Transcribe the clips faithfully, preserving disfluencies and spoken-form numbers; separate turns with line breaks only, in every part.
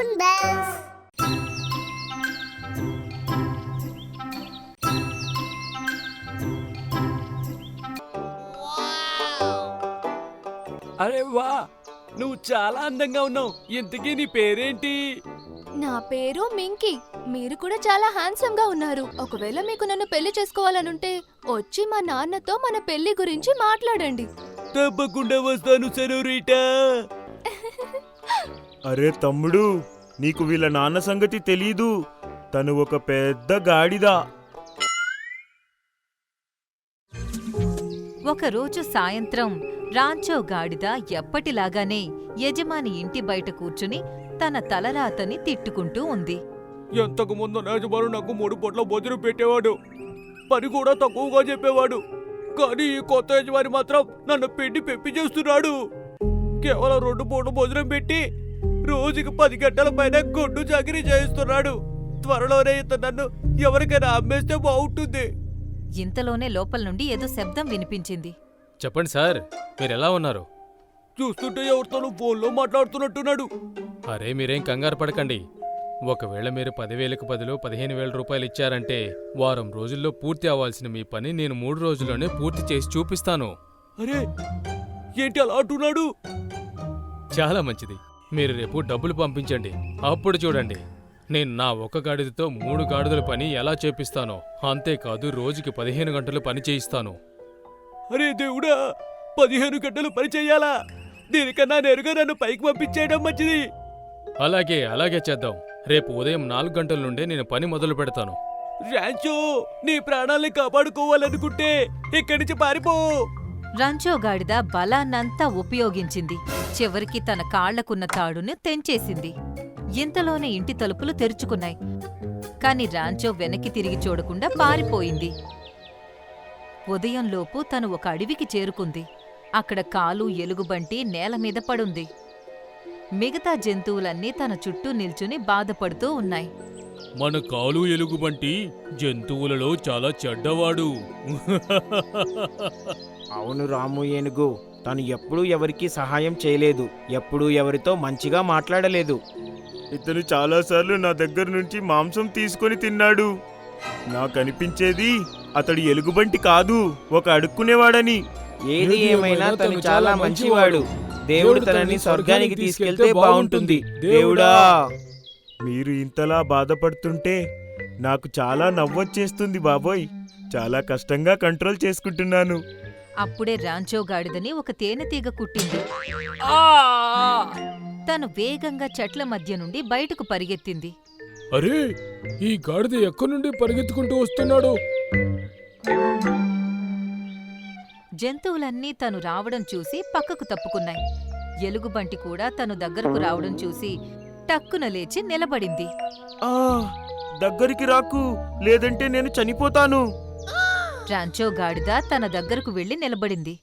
Balloon Bells.
అరే వా, నువ్వు చాలా అందంగా ఉన్నావు. ఇంతకీ నీ పేరేంటి?
నా పేరు మింకీ. మీరు కూడా చాలా హ్యాండ్సమ్ గా ఉన్నారు. ఒకవేళ మీకు నన్ను పెళ్లి చేసుకోవాలనుంటే వచ్చి మా నాన్నతో మన పెళ్లి గురించి మాట్లాడండి.
తప్పకుండా వస్తాను సెనోరిటా.
అరే తమ్ముడు, నీకు వీళ్ళ నాన్న సంగతి తెలీదు. తను ఒక పెద్ద గాడిద.
ఒకరోజు సాయంత్రం రాంచో గాడిద ఎప్పటిలాగానే యజమాని ఇంటి బయట కూర్చుని తన తలరాతని తిట్టుకుంటూ ఉంది.
ఎంతకు ముందు యజమాను నాకు మూడు పూట్ల భోజనం పెట్టేవాడు, పని కూడా తక్కువగా చెప్పేవాడు. కానీ ఈ కొత్త యజమాని మాత్రం నన్ను పిండి పెప్పి చేస్తున్నాడు. కేవలం రెండు పూట భోజనం పెట్టి రోజుకి పది గంటల పైన గొడ్డు చాకిరీ చేయిస్తున్నాడు. త్వరలోనే ఇతను నన్ను ఎవరికైనా అమ్మేస్తే బాగుంటుంది.
ఇంతలోనే లోపల నుండి ఏదో శబ్దం వినిపించింది.
చెప్పండి సార్, మీరెలా ఉన్నారు?
చూస్తుంటే ఎవరితోనూ ఫోన్లో మాట్లాడుతున్నట్టున్నాడు.
అరే మీరేం కంగారు పడకండి. ఒకవేళ మీరు పదివేలకు బదులు పదిహేను వేల రూపాయలు ఇచ్చారంటే వారం రోజుల్లో పూర్తి అవ్వాల్సిన మీ పని నేను మూడు రోజుల్లోనే పూర్తి చేసి చూపిస్తాను.
అరే ఏంటి అలా అంటున్నాడు?
చాలా మంచిది. మీరు రేపు డబ్బులు పంపించండి, అప్పుడు చూడండి నేను నా ఒక గాడిదతో మూడు గాడిదల పని ఎలా చేపిస్తానో. అంతేకాదు రోజుకి పదిహేను గంటలు పని చేయిస్తాను.
అరే దేవుడా, పదిహేను గంటలు పని చెయ్యాలా? దీనికన్నా నేరుగా నన్ను పైకి పంపించేయడం మంచిది.
అలాగే అలాగే చేద్దాం. రేపు ఉదయం నాలుగు గంటల నుండే నేను పని మొదలు పెడతాను.
రాంచో, నీ ప్రాణాల్ని కాపాడుకోవాలనుకుంటే ఇక్కడి నుంచి పారిపో.
రాంచో గాడిద బలాన్నంతా ఉపయోగించింది. చివరికి తన కాళ్లకున్న తాడును తెంచేసింది. ఇంతలోనే ఇంటి తలుపులు తెరుచుకున్నాయి. కాని రాంచో వెనక్కి తిరిగి చూడకుండా పారిపోయింది. ఉదయంలోపు తను ఒక అడవికి చేరుకుంది. అక్కడ కాలు ఎలుగుబంటి నేలమీద పడుంది. మిగతా జంతువులన్నీ తన చుట్టూ నిల్చుని బాధపడుతూ ఉన్నాయి.
మన కాలు ఎలుగుబంటి జంతువులలో చాలా చెడ్డవాడు.
అవును రాము ఏనుగు, తను ఎప్పుడూ ఎవరికీ సహాయం చేయలేదు, ఎప్పుడూ ఎవరితో మంచిగా మాట్లాడలేదు.
ఇతను చాలాసార్లు నా దగ్గర నుంచి మాంసం తీసుకొని తిన్నాడు. నాకనిపించేది అతడు ఎలుగుబంటి కాదు, ఒక అడుక్కునేవాడని.
ఏది ఏమైనా తను చాలా మంచివాడు. దేవుడు తనని స్వర్గానికి తీసుకెళ్తే బాగుంటుంది. దేవుడా!
మీరు ఇంతలా బాధపడుతుంటే నాకు చాలా నవ్వొచ్చేస్తుంది బాబోయ్. చాలా కష్టంగా కంట్రోల్ చేసుకుంటున్నాను.
అప్పుడే రాంచో గాడిదని ఒక తేనెతీగ కుట్టింది.
ఆ!
తను వేగంగా చెట్ల మధ్య నుండి బయటకు పరిగెత్తింది.
అరే, ఈ గాడిద ఎక్కడి నుండి పరిగెత్తుకుంటూ వస్తున్నాడు?
జంతువులన్నీ తను రావడం చూసి పక్కకు తప్పుకున్నాయి. ఎలుగుబంటి కూడా తను దగ్గరకు రావడం చూసి టక్కున లేచి నిలబడింది.
ఆ దగ్గరికి రాకు, లేదంటే నేను చనిపోతాను.
రాంచో గాడిద తన దగ్గరకు వెళ్లి నిలబడింది.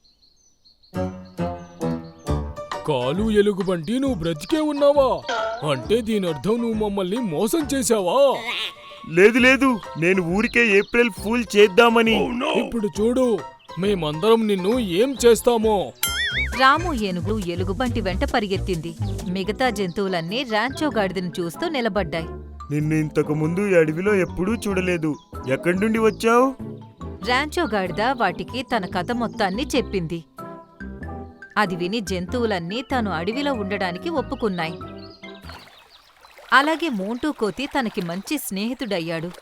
కాలు ఎలుగుబంటి, నువ్వు బ్రతికే ఉన్నావా? అంటే దీని అర్థం నువ్వు మమ్మల్ని మోసం చేశావా?
లేదు లేదు, నేను ఊరికే ఏప్రిల్ ఫూల్ చేద్దామని.
ఇప్పుడు చూడు, మేమందరం నిన్ను ఏం చేస్తామో.
రాము ఏనుగు ఎలుగుబంటి వెంట పరిగెత్తింది. మిగతా జంతువులన్నీ రాంచో గాడిదను చూస్తూ నిలబడ్డాయి.
నిన్ను ఇంతకు ముందు ఈ అడవిలో ఎప్పుడూ చూడలేదు. ఎక్కడి నుండి వచ్చావు?
రాంచో గాడిద వాటికి తన కథ మొత్తాన్ని చెప్పింది. అది విని జంతువులన్నీ తాను అడవిలో ఉండడానికి ఒప్పుకున్నాయి. అలాగే మోంటూ కోతి తనకి మంచి స్నేహితుడయ్యాడు.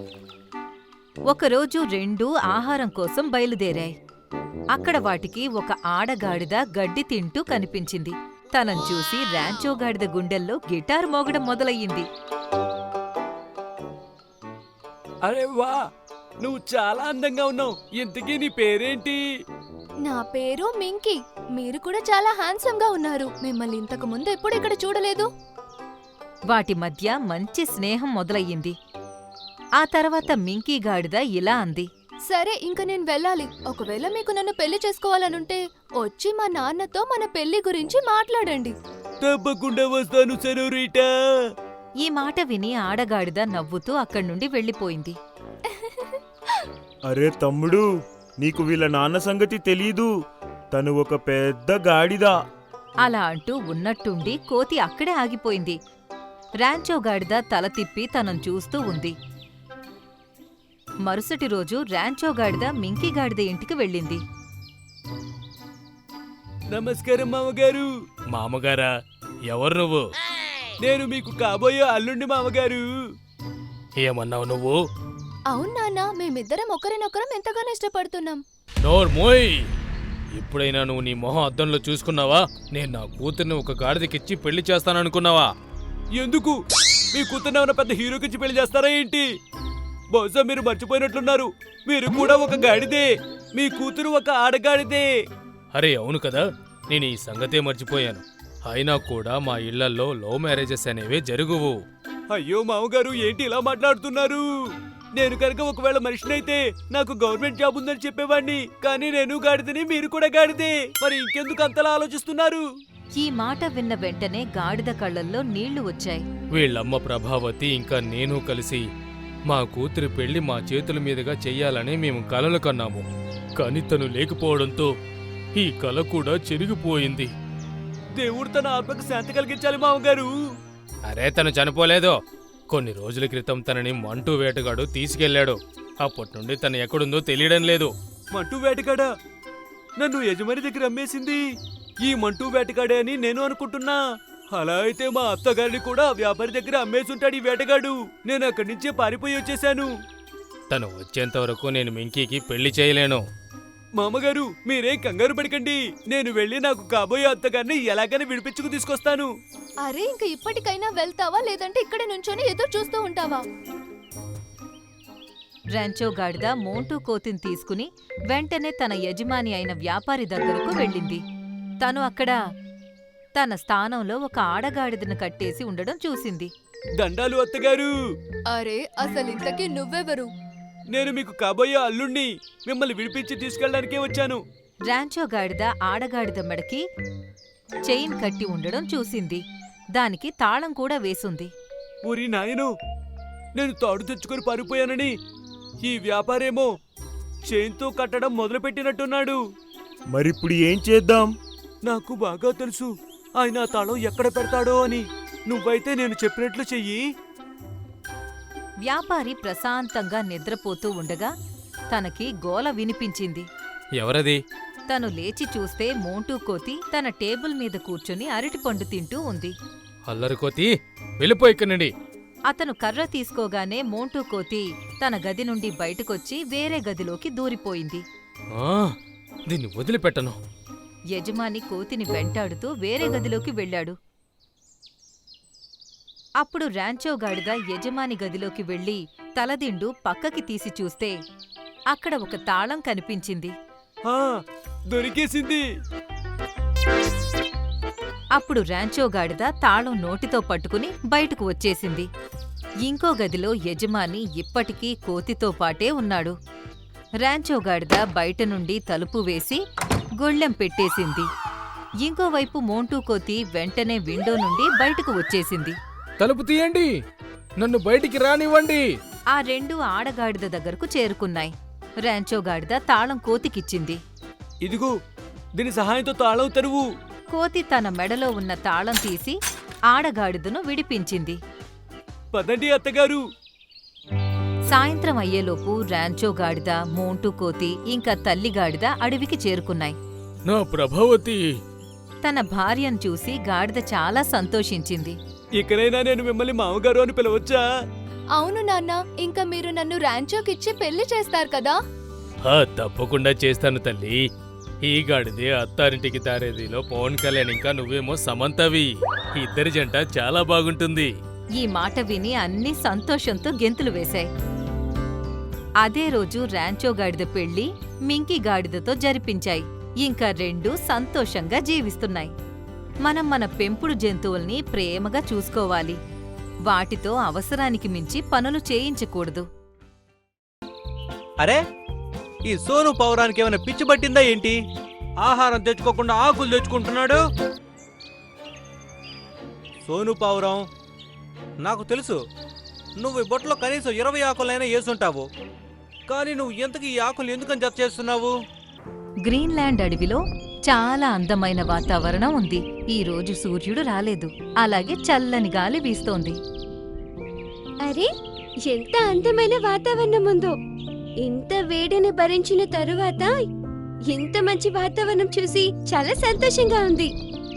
ఒకరోజు రెండూ ఆహారం కోసం బయలుదేరాయి. అక్కడ వాటికి ఒక ఆడగాడిద గడ్డి తింటూ కనిపించింది. తనను చూసి రాంచో గాడిద గుండెల్లో గిటార్ మోగడం మొదలయ్యింది.
అరే వా, నువ్వు చాలా అందంగా ఉన్నావు. ఇంతకీ నీ పేరేంటి?
నా పేరు మింకీ. మీరు కూడా చాలా హ్యాండ్సమ్ గా ఉన్నారు. మిమ్మల్ని ఇంతకు ముందు ఎప్పుడు ఇక్కడ చూడలేదు.
వాటి మధ్య మంచి స్నేహం మొదలయ్యింది. ఆ తర్వాత మింకీ గాడిద ఇలా అంది.
సరే, ఇంక నేను వెళ్ళాలి. ఒకవేళ మీకు నన్ను పెళ్లి చేసుకోవాలనుంటే వచ్చి మా నాన్నతో మన పెళ్లి గురించి మాట్లాడండి.
తప్పకుండా వస్తాను సెనోరిటా.
ఈ మాట విని ఆడగాడిద నవ్వుతూ అక్కడ్నుండి వెళ్ళిపోయింది.
అరే తమ్ముడు, నీకు వీళ్ళ నాన్న సంగతి తెలీదు. తను ఒక పెద్ద గాడిద.
అలా అంటూ ఉన్నట్టుండి కోతి అక్కడే ఆగిపోయింది. రాంచో గాడిద తల తిప్పి తనను చూస్తూ ఉంది. మరుసటి రోజు రాంచో గాడిద మింకీ గాడిద ఇంటికి వెళ్ళింది.
నమస్కారం మామగారు.
మామగారా, ఎవరు నువ్వు?
నేను మీకు కాబోయే అల్లుండి మామగారు.
ఏమన్నావు నువ్వు?
అవును నాన్న, మేమిద్దరం ఒకరినొకరం ఎంతగానో ఇష్టపడుతున్నాం.
నోర్మోయ్! ఇప్పుడైనా నువ్వు నీ మొహం అద్దంలో చూసుకున్నావా? నేను నా కూతుర్ని ఒక గాడిదకిచ్చి పెళ్లి చేస్తాననుకున్నావా?
ఎందుకు? మీ కూతుర్ని ఏమైనా పెద్ద హీరోకిచ్చి పెళ్లి చేస్తారా ఏంటి? బహుశా మీరు మర్చిపోయినట్లున్నారు, మీరు కూడా ఒక గాడిదే. మీ కూతురు ఒక ఆడగాడిదే.
అరే అవును కదా, నేను ఈ సంగతే మర్చిపోయాను. అయినా కూడా మా ఇళ్లల్లో లవ్ మ్యారేజెస్ అనేవే జరుగువు.
అయ్యో మామగారు, ఏంటి ఇలా మాట్లాడుతున్నారు? నేను కనుక ఒకవేళ మనిషినైతే నాకు గవర్నమెంట్ జాబ్ ఉందని చెప్పేవాడిని. కానీ నేను గాడిదని, మీరు కూడా గాడిదే. మరి ఇంకెందుకు అంతలా ఆలోచిస్తున్నారు?
ఈ మాట విన్న వెంటనే గాడిద కళ్ళల్లో నీళ్లు వచ్చాయి.
వీళ్ళమ్మ ప్రభావతి ఇంకా నేను కలిసి మా కూతురి పెళ్లి మా చేతుల మీదుగా చెయ్యాలని మేము కలలు కన్నాము. కాని తను లేకపోవడంతో ఈ కల కూడా చెరిగిపోయింది.
దేవుడు తన ఆత్మకు శాంతి కలిగించాలి మామగారు.
అరే తను చనిపోలేదు. కొన్ని రోజుల క్రితం తనని మంటూ వేటగాడు తీసుకెళ్లాడు. అప్పటి నుండి తను ఎక్కడుందో తెలియడం లేదు.
మంటూ వేటగాడా? నన్ను యజమాని దగ్గర అమ్మేసింది ఈ మంటూ వేటగాడే అని నేను అనుకుంటున్నా. అలా అయితే మా అత్తగారిని కూడా వ్యాపారి దగ్గర అమ్మేసుంటాడు ఈ వేటగాడు. నేను అక్కడి నుంచే పారిపోయి వచ్చేశాను.
తను వచ్చేంత వరకు నేను మింకీకి పెళ్లి చేయలేను.
మామగారు, మీరేం కంగారు పడకండి. నేను వెళ్ళి నాకు కాబోయే అత్తగారిని ఎలాగైనా విడిపించుకు తీసుకొస్తాను.
అరే, ఇంక ఇప్పటికైనా వెళ్తావా లేదంటే ఇక్కడ నుంచొని ఎదురు చూస్తూ ఉంటావా?
రాంచో గాడిద మోంటూ కోతిని తీసుకుని వెంటనే తన యజమాని అయిన వ్యాపారి దగ్గరకు వెళ్ళింది. తను అక్కడ తన స్థానంలో ఒక ఆడగాడిదను కట్టేసి ఉండడం చూసింది.
దండాలు అత్తగారు.
అరే, అసలింతకీ నువ్వెవరు?
నేను మీకు కాబోయే అల్లుణ్ణి. మిమ్మల్ని విడిపించి తీసుకెళ్ళడానికే వచ్చాను.
రాంచో గాడిద ఆడగాడిద మెడకి చైన్ కట్టి ఉండడం చూసింది. దానికి తాళం కూడా వేసుంది.
ఊరి నాయను, నేను తాడు తెచ్చుకొని పారిపోయానని ఈ వ్యాపారేమో చైన్తో కట్టడం మొదలుపెట్టినట్టున్నాడు.
మరిప్పుడు ఏం చేద్దాం?
నాకు బాగా తెలుసు ఆయన ఆ తాళం ఎక్కడ పెడతాడో అని. నువ్వైతే నేను చెప్పినట్లు చెయ్యి.
వ్యాపారి ప్రశాంతంగా నిద్రపోతూ ఉండగా తనకి గోల వినిపించింది.
ఎవరది?
తను లేచి చూస్తే మోంటూ కోతి తన టేబుల్ మీద కూర్చుని అరటిపండు తింటూ ఉంది.
అల్లరికోతి, వెళ్ళిపో ఇక్కడి నుండి.
అతను కర్ర తీసుకోగానే మోంటూ కోతి తన గది నుండి బయటకొచ్చి వేరే గదిలోకి దూరిపోయింది.
ఆ, దీన్ని వదిలిపెట్టను.
యజమాని కోతిని వెంటాడుతూ వేరే గదిలోకి వెళ్ళాడు. అప్పుడు రాంచో గాడిద యజమాని గదిలోకి వెళ్లి తలదిండు పక్కకి తీసి చూస్తే అక్కడ ఒక తాళం కనిపించింది.
ఆ, దొరికేసింది.
అప్పుడు రాంచో గాడిద తాళం నోటితో పట్టుకుని బయటకు వచ్చేసింది. ఇంకో గదిలో యజమాని ఇప్పటికీ కోతితో పాటే ఉన్నాడు. రాంచో గాడిద బయట నుండి తలుపు వేసి గొళ్ళెం పెట్టేసింది. ఇంకోవైపు మోంటూ కోతి వెంటనే విండో నుండి బయటకు వచ్చేసింది.
తలుపు తీయండి, నన్ను బయటికి రానివ్వండి.
ఆ రెండు ఆడగాడిద దగ్గరకు చేరుకున్నాయి. రాంచో గాడిద తాళం కోతికిచ్చింది.
ఇదిగో, దీని సహాయంతో తాళం తెరువు.
కోతి తన మెడలో ఉన్న తాళం తీసి ఆడగాడిదను విడిపించింది.
పదండి అత్తగారు.
సాయంత్రం అయ్యేలోపు రాంచో గాడిద, మోంటూ కోతి ఇంకా తల్లి గాడిద అడవికి చేరుకున్నాయి.
నా ప్రభావతి!
తన భార్యను చూసి గాడిద చాలా సంతోషించింది.
ఇకనైనా నేను మిమ్మల్ని మామగారు అని పిలవచ్చా?
అవును నాన్న, ఇంకా మీరు నన్ను రాంచోకిచ్చి పెళ్లి చేస్తారు కదా?
ఆ, తప్పకుండా చేస్తాను తల్లి. ఈ గాడిదే అత్తారింటికి తారేదిలో పవన్ కళ్యాణ్, ఇంకా నువ్వేమో సమంతవి. ఇద్దరి జంట చాలా బాగుంటుంది.
ఈ మాట విని అన్నీ సంతోషంతో గెంతులు వేశాయి. అదే రోజు రాంచో గాడిద పెళ్లి మింకీ గాడిదతో జరిపించాయి. ఇంకా రెండు సంతోషంగా జీవిస్తున్నాయి. మనం మన పెంపుడు జంతువుల్ని ప్రేమగా చూసుకోవాలి. వాటితో అవసరానికి మించి పనులు చేయించకూడదు.
అరే, ఈ సోను పౌరానికి ఏమైనా పిచ్చి పట్టిందా ఏంటి? ఆహారం తెచ్చుకోకుండా ఆకులు తెచ్చుకుంటున్నాడు. సోను పావురం, నాకు తెలుసు నువ్వు ఈ బొట్టలో కనీసం ఇరవై ఆకులైనా వేసుంటావు. కానీ నువ్వు ఎంతకు ఈ ఆకులు ఎందుకని జత చేస్తున్నావు?
గ్రీన్లాండ్ అడవిలో చాలా అందమైన వాతావరణం ఉంది. ఈ రోజు సూర్యుడు రాలేదు, అలాగే చల్లని గాలి వీస్తోంది.
అరే, ఎంత అందమైన వాతావరణం ఉందో! ఇంత వేడిని భరించిన తరువాత ఇంత మంచి వాతావరణం చూసి చాలా సంతోషంగా ఉంది.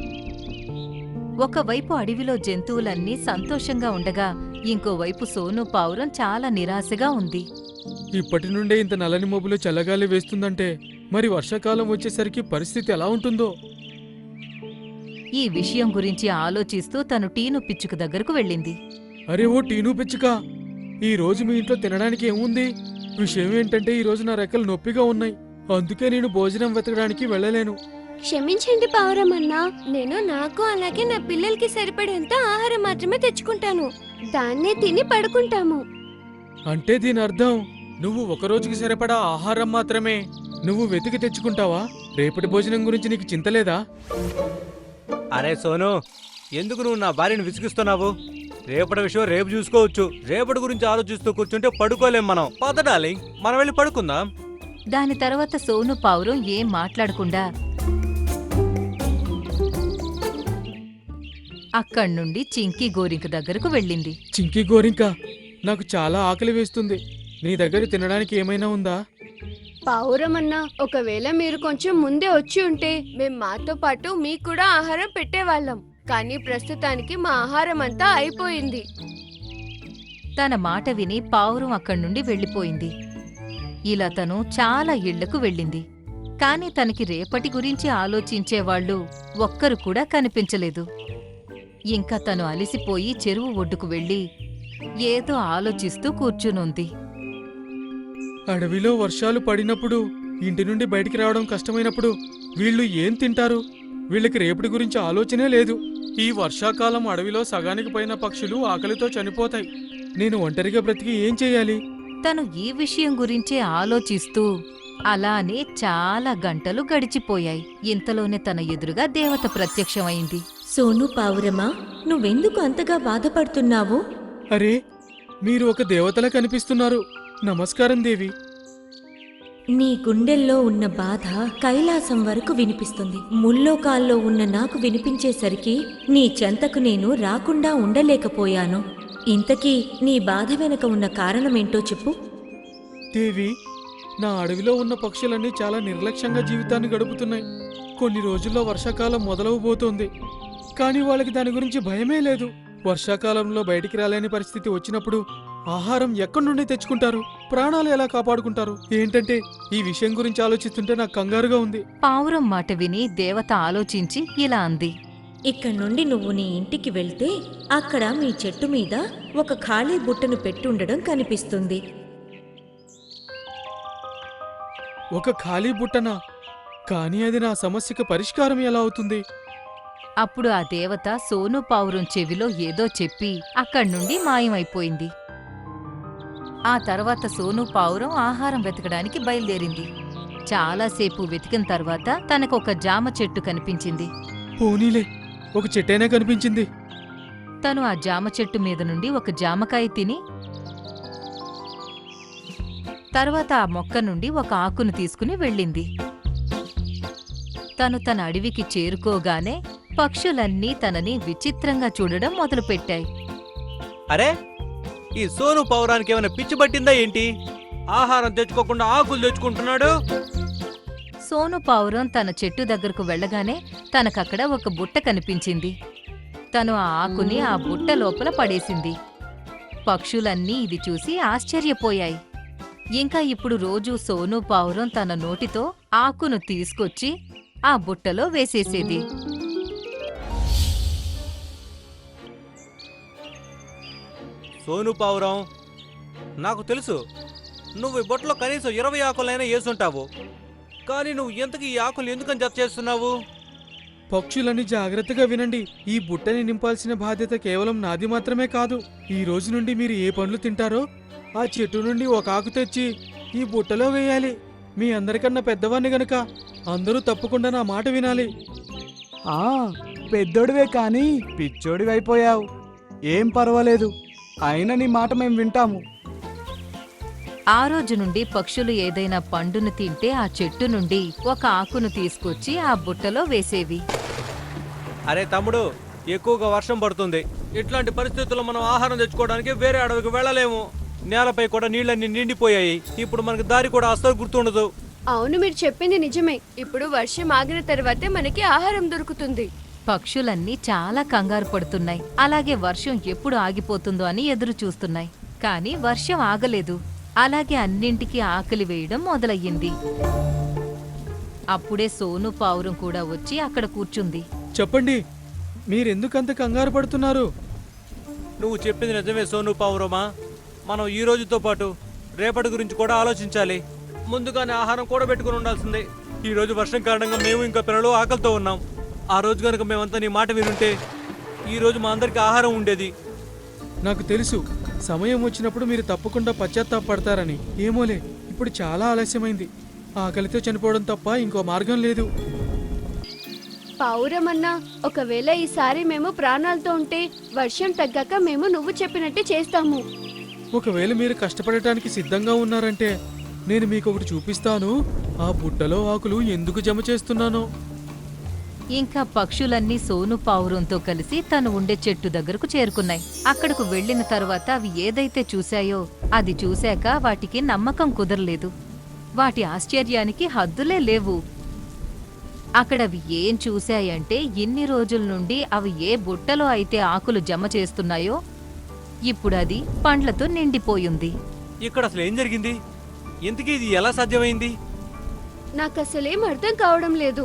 ఒకవైపు అడవిలో జంతువులన్నీ సంతోషంగా ఉండగా ఇంకోవైపు సోను పావురం చాలా నిరాశగా ఉంది.
ఇప్పటి నుండే ఇంత నల్లని మబ్బులో చల్లగాలి వేస్తుందంటే మరి వర్షాకాలం వచ్చేసరికి పరిస్థితి ఎలా ఉంటుందో.
ఈ విషయం గురించి ఆలోచిస్తూ తను టీను పిచ్చుక దగ్గరకు వెళ్ళింది.
అరే ఓ టీను పిచ్చుక, ఈ రోజు మీ ఇంట్లో తినడానికి ఏముంది? విషయం ఏంటంటే ఈ రోజు నా రెక్కలు నొప్పిగా ఉన్నాయి, అందుకే నేను భోజనం వెతకడానికి వెళ్ళలేను.
క్షమించండి పావురమన్నా, నేను నాకు అలాగే నా పిల్లలకి సరిపడేంత ఆహారం మాత్రమే తెచ్చుకుంటాను. దాన్నే తిని పడుకుంటాము.
అంటే దీని అర్థం నువ్వు ఒక రోజుకి సరిపడా ఆహారం మాత్రమే నువ్వు వెతికి తెచ్చుకుంటావా? రేపటి భోజనం గురించి నీకు చింతలేదా?
అరే సోను, ఎందుకు నువ్వు నా భార్యను విసిగిస్తున్నావు? రేపటి విషయం రేపు చూసుకోవచ్చు. రేపటి గురించి ఆలోచిస్తూ కూర్చుంటే పడుకోలేం మనం. పద డార్లింగ్, మనం వెళ్ళి పడుకుందాం.
దాని తర్వాత సోను పావురం ఏం మాట్లాడకుండా అక్కడ్నుండి చింకీ గోరింక దగ్గరకు వెళ్ళింది.
చింకీ గోరింక, నాకు చాలా ఆకలి వేస్తుంది. నీ దగ్గర తినడానికి ఏమైనా ఉందా?
పావురమన్నా, ఒకవేళ మీరు కొంచెం ముందే వచ్చి ఉంటే మేం మాతో పాటు మీకు కూడా ఆహారం పెట్టేవాళ్ళం. కానీ ప్రస్తుతానికి మా ఆహారం అంతా అయిపోయింది.
తన మాట విని పావురం అక్కడ్నుండి వెళ్ళిపోయింది. ఇలా తను చాలా ఇళ్లకు వెళ్ళింది. కాని తనకి రేపటి గురించి ఆలోచించేవాళ్లు ఒక్కరు కూడా కనిపించలేదు. ఇంకా తను అలిసిపోయి చెరువు ఒడ్డుకు వెళ్ళి ఏదో ఆలోచిస్తూ కూర్చునుంది.
అడవిలో వర్షాలు పడినప్పుడు, ఇంటి నుండి బయటికి రావడం కష్టమైనప్పుడు వీళ్ళు ఏం తింటారు? వీళ్ళకి రేపటి గురించి ఆలోచనే లేదు. ఈ వర్షాకాలం అడవిలో సగానికి పైన పక్షులు ఆకలితో చనిపోతాయి. నేను ఒంటరిగా బ్రతికి ఏం చెయ్యాలి?
తను ఈ విషయం గురించే ఆలోచిస్తూ అలానే చాలా గంటలు గడిచిపోయాయి. ఇంతలోనే తన ఎదురుగా దేవత ప్రత్యక్షమైంది.
సోను పావురమా, నువ్వెందుకు అంతగా బాధపడుతున్నావు?
అరే, మీరు ఒక దేవతలా కనిపిస్తున్నారు. నమస్కారం దేవి.
నీ గుండెల్లో ఉన్న బాధ కైలాసం వరకు వినిపిస్తుంది. ముల్లోకాల్లో ఉన్న నాకు వినిపించేసరికి నీ చెంతకు నేను రాకుండా ఉండలేకపోయాను. ఇంతకీ నీ బాధ వెనక ఉన్న కారణమేంటో చెప్పు.
దేవి, నా అడవిలో ఉన్న పక్షులన్నీ చాలా నిర్లక్ష్యంగా జీవితాన్ని గడుపుతున్నాయి. కొన్ని రోజుల్లో వర్షాకాలం మొదలవబోతోంది, కానీ వాళ్ళకి దాని గురించి భయమే లేదు. వర్షాకాలంలో బయటికి రాలేని పరిస్థితి వచ్చినప్పుడు ఆహారం ఎక్కడి నుండి తెచ్చుకుంటారు? ప్రాణాలు ఎలా కాపాడుకుంటారు? ఏంటంటే ఈ విషయం గురించి ఆలోచిస్తుంటే నాకు కంగారుగా ఉంది.
పావురం మాట విని దేవత ఆలోచించి ఇలా అంది.
ఇక్కడి నుండి నువ్వు నీ ఇంటికి వెళ్తే అక్కడ మీ చెట్టు మీద ఒక ఖాళీ బుట్టను పెట్టుండడం కనిపిస్తుంది.
ఒక ఖాళీ బుట్టనా? కానీ అది నా సమస్యకు పరిష్కారం ఎలా అవుతుంది?
అప్పుడు ఆ దేవత సోను పావురం చెవిలో ఏదో చెప్పి అక్కడ్నుండి మాయమైపోయింది. ఆ తర్వాత సోను పావురం ఆహారం వెతకడానికి బయలుదేరింది. చాలాసేపు వెతికిన తర్వాత తనకొక జామ చెట్టు కనిపించింది.
పోనీలే, ఒక చెట్టైనా కనిపించింది.
తను ఆ జామ చెట్టు మీద నుండి ఒక జామకాయ తిని తర్వాత ఆ మొక్క నుండి ఒక ఆకును తీసుకుని వెళ్ళింది. తను తన అడవికి చేరుకోగానే పక్షులన్నీ తనని విచిత్రంగా చూడడం మొదలుపెట్టాయి.
అరే, ఈ సోను పౌరానికి ఏమైనా పిచ్చి పట్టిందా ఏంటి? ఆహారం తెచ్చుకోకుండా ఆకులు తెచ్చుకుంటున్నాడు.
సోను పావురం తన చెట్టు దగ్గరకు వెళ్ళగానే తనకక్కడ ఒక బుట్ట కనిపించింది. తను ఆ ఆకుని ఆ బుట్ట లోపల పడేసింది. పక్షులన్నీ ఇది చూసి ఆశ్చర్యపోయాయి. ఇంకా ఇప్పుడు రోజూ సోను పావురం తన నోటితో ఆకును తీసుకొచ్చి ఆ బుట్టలో వేసేసేది.
సోను పావురం, నాకు తెలుసు నువ్వు ఈ బొట్టలో కనీసం ఇరవై ఆకులైనా వేసుంటావు. కానీ నువ్వు ఎంతకి ఈ ఆకులు ఎందుకని జత చేస్తున్నావు?
పక్షులని జాగ్రత్తగా వినండి. ఈ బుట్టని నింపాల్సిన బాధ్యత కేవలం నాది మాత్రమే కాదు. ఈ రోజు నుండి మీరు ఏ పండ్లు తింటారో ఆ చెట్టు నుండి ఒక ఆకు తెచ్చి ఈ బుట్టలో వేయాలి. మీ అందరికన్నా పెద్దవాణ్ణి గనక అందరూ తప్పకుండా నా మాట వినాలి.
ఆ పెద్దోడివే కానీ పిచ్చోడివైపోయావు. ఏం పర్వాలేదు, అయినా నీ మాట మేం వింటాము.
ఆ రోజు నుండి పక్షులు ఏదైనా పండును తింటే ఆ చెట్టు నుండి ఒక ఆకును తీసుకొచ్చి ఆ బుట్టలో వేసేవి.
అరే తమ్ముడు, ఎక్కువగా వర్షం పడుతుంది. ఇట్లాంటి పరిస్థితుల్లో మనం ఆహారం తెచ్చుకోవడానికి వేరే అడవికి వెళ్ళలేము. నేలపై కూడా నీళ్ళన్నీ నిండిపోయాయి. ఇప్పుడు మనకి దారి కూడా అస్సలు గుర్తుండదు.
అవును, మీరు చెప్పింది నిజమే. ఇప్పుడు వర్షం ఆగిన తర్వాతే మనకి ఆహారం దొరుకుతుంది.
పక్షులన్నీ చాలా కంగారు పడుతున్నాయి. అలాగే వర్షం ఎప్పుడు ఆగిపోతుందో అని ఎదురు చూస్తున్నాయి. కానీ వర్షం ఆగలేదు. అలాగే అన్నింటికీ ఆకలి వేయడం మొదలయ్యింది. అప్పుడే సోను పావురం కూడా వచ్చి అక్కడ కూర్చుంది.
చెప్పండి, మీరెందుకంత కంగారు పడుతున్నారు?
నువ్వు చెప్పింది నిజమే సోను పావురమా. మనం ఈ రోజుతో పాటు రేపటి గురించి కూడా ఆలోచించాలి. ముందుగానే ఆహారం కూడా పెట్టుకుని ఉండాల్సిందే. ఈ రోజు వర్షం కారణంగా మేము ఇంకా పిల్లలు ఆకలితో ఉన్నాం. ఆ రోజు కనుక మేమంతా నీ మాట వినుంటే ఈ రోజు మా అందరికి ఆహారం ఉండేది.
నాకు తెలుసు, సమయం వచ్చినప్పుడు మీరు తప్పకుండా పశ్చాత్తాపడతారని. ఏమోలే, ఇప్పుడు చాలా ఆలస్యమైంది. ఆకలితో చనిపోవడం తప్ప ఇంకో మార్గం లేదు.
పావురమన్నా, ఒకవేళ ఈసారి మేము ప్రాణాలతో ఉంటే వర్షం తగ్గాక మేము నువ్వు చెప్పినట్టే చేస్తాము.
ఒకవేళ మీరు కష్టపడటానికి సిద్ధంగా ఉన్నారంటే నేను మీకు ఒకటి చూపిస్తాను. ఆ బుట్టలో ఆకులు ఎందుకు జమ చేస్తున్నానో.
ఇంకా పక్షులన్నీ సోను పావురంతో కలిసి తను ఉండే చెట్టు దగ్గరకు చేరుకున్నాయి. అక్కడకు వెళ్లిన తర్వాత అవి ఏదైతే చూశాయో అది చూశాక వాటికి నమ్మకం కుదరలేదు. వాటి ఆశ్చర్యానికి హద్దులే లేవు. అక్కడవి ఏం చూశాయంటే ఇన్ని రోజుల నుండి అవి ఏ బుట్టలో అయితే ఆకులు జమ చేస్తున్నాయో ఇప్పుడు అది పండ్లతో నిండిపోయింది.
ఇక్కడ అసలు ఏం జరిగింది? ఇంతకీ ఇది ఎలా సాధ్యమైంది?
నాకు అసలేం అర్థం కావడం లేదు.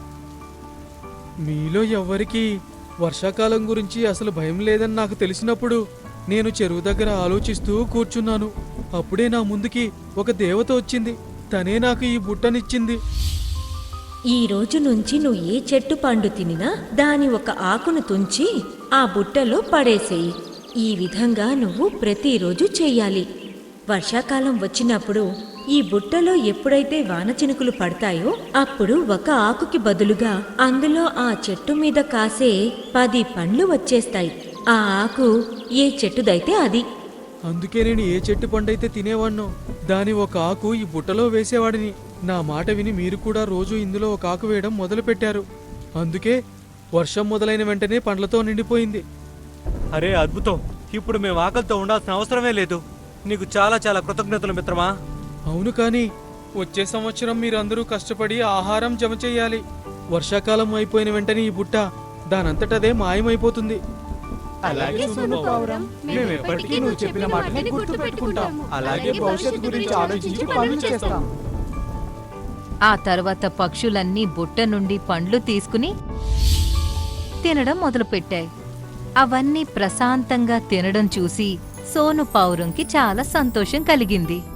మీలో ఎవ్వరికీ వర్షాకాలం గురించి అసలు భయం లేదని నాకు తెలిసినప్పుడు నేను చెరువు దగ్గర ఆలోచిస్తూ కూర్చున్నాను. అప్పుడే నా ముందుకి ఒక దేవత వచ్చింది. తనే నాకు ఈ బుట్టనిచ్చింది.
ఈ రోజు నుంచి నువ్వు ఏ చెట్టు పండు తినినా దాని ఒక ఆకును తుంచి ఆ బుట్టలో పడేసేయి. ఈ విధంగా నువ్వు ప్రతిరోజు చెయ్యాలి. వర్షాకాలం వచ్చినప్పుడు ఈ బుట్టలో ఎప్పుడైతే వాన చినుకులు పడతాయో అప్పుడు ఒక ఆకుకి బదులుగా అందులో ఆ చెట్టు మీద కాసే పది పండ్లు వచ్చేస్తాయి. ఆ ఆకు ఏ చెట్టుదైతే అది.
అందుకే నేను ఏ చెట్టు పండైతే తినేవాణ్ణో దాని ఒక ఆకు ఈ బుట్టలో వేసేవాడిని. నా మాట విని మీరు కూడా రోజు ఇందులో ఒక ఆకు వేయడం మొదలుపెట్టారు. అందుకే వర్షం మొదలైన వెంటనే పండ్లతో నిండిపోయింది.
అరే అద్భుతం! ఇప్పుడు మేము ఆకలితో ఉండాల్సిన అవసరమే లేదు. నీకు చాలా చాలా కృతజ్ఞతలు మిత్రమా.
అవును, కానీ వచ్చే సంవత్సరం మీరందరూ కష్టపడి ఆహారం జమ చెయ్యాలి. వర్షాకాలం అయిపోయిన వెంటనే ఈ బుట్ట దానంతటదే మాయమైపోతుంది.
అలాగే సోను పావురం, మేము ఎప్పటికీ నువ్వు చెప్పిన మాటని గుర్తు పెట్టుకుంటాం. అలాగే భవిష్యత్తు గురించి ఆలోచించి పనులు చేస్తాం.
ఆ తర్వాత పక్షులన్నీ బుట్ట నుండి పండ్లు తీసుకుని తినడం మొదలుపెట్టాయి. అవన్నీ ప్రశాంతంగా తినడం చూసి సోను పావురంకి చాలా సంతోషం కలిగింది.